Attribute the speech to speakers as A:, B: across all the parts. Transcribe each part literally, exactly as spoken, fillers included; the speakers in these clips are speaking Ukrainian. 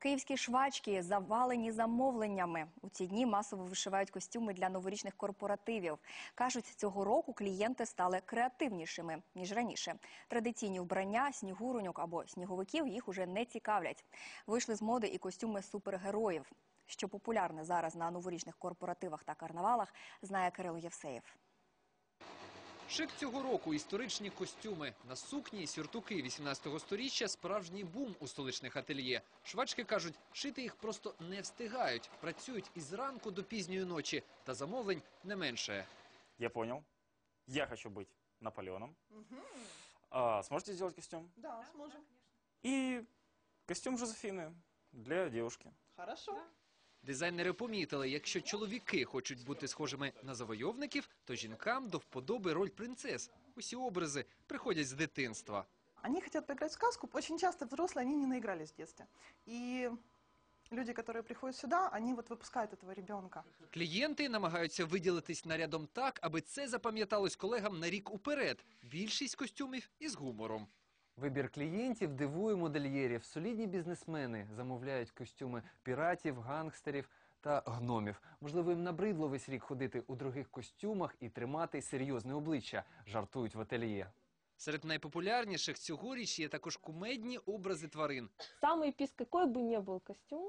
A: Київські швачки завалені замовленнями. У ці дні масово вишивають костюми для новорічних корпоративів. Кажуть, цього року клієнти стали креативнішими, ніж раніше. Традиційні вбрання, снігуроньок або сніговиків їх уже не цікавлять. Вийшли з моди і костюми супергероїв. Що популярне зараз на новорічних корпоративах та карнавалах, знає Кирило Євсеєв.
B: Шик цього року – історичні костюми. На сукні і сюртуки вісімнадцятого сторіччя – справжній бум у столичних ательє. Швачки кажуть, шити їх просто не встигають. Працюють із ранку до пізньої ночі, та замовлень не менше.
C: Я понял. Я хочу быть Наполеоном. Угу. А, сможете сделать костюм?
D: Да, сможем.
C: И костюм Жозефины для девушки.
D: Хорошо.
B: Дизайнери помітили, якщо чоловіки хочуть бути схожими на завойовників, то жінкам до вподоби роль принцес. Усі образи приходять з дитинства.
D: Они хотят поиграть в сказку. Очень часто взрослые, они не наигрались в детстве. И люди, которые приходят сюда, они вот выпускают этого ребенка.
B: Клієнти намагаються виділитись нарядом так, аби це запам'яталось колегам на рік уперед. Більшість костюмів із гумором.
E: Вибір клієнтів дивує модельєрів. Солідні бізнесмени замовляють костюми піратів, гангстерів та гномів. Можливо, їм набридло весь рік ходити у дорогих костюмах і тримати серйозне обличчя, жартують в ательє.
B: Серед найпопулярніших цьогоріч є також кумедні образи тварин.
F: Самый пис, какой бы ни был костюм,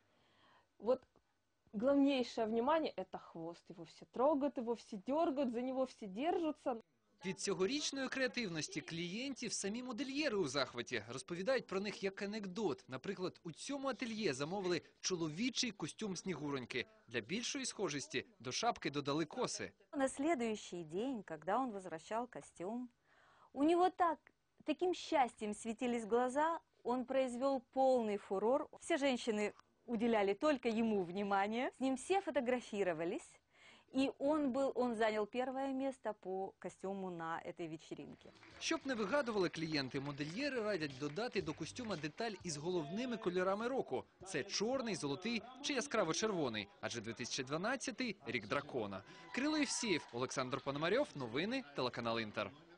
F: вот главнейшее внимание – это хвост. Его все трогают, его все дергают, за него все держатся.
B: Від цьогорічної креативності клієнтів самі модельєри у захваті. Розповідають про них як анекдот. Наприклад, у цьому ательє замовили чоловічий костюм Снігуроньки. Для більшої схожості до шапки додали коси.
G: На следующий день, когда он возвращал костюм, у него так, таким счастьем светились глаза, он произвел полный фурор. Все женщины уделяли только ему внимание, с ним все фотографировались. И он, был, он занял первое место по костюму на этой вечеринке.
B: Щоб не вигадували клієнти, модельєри радять додати до костюма деталь із головними кольорами року. Це чорний, золотий чи яскраво-червоний. Адже дві тисячі дванадцятий – рік дракона. Кирило Євсеєв, Олександр Пономарьов. Новини, телеканал Інтер.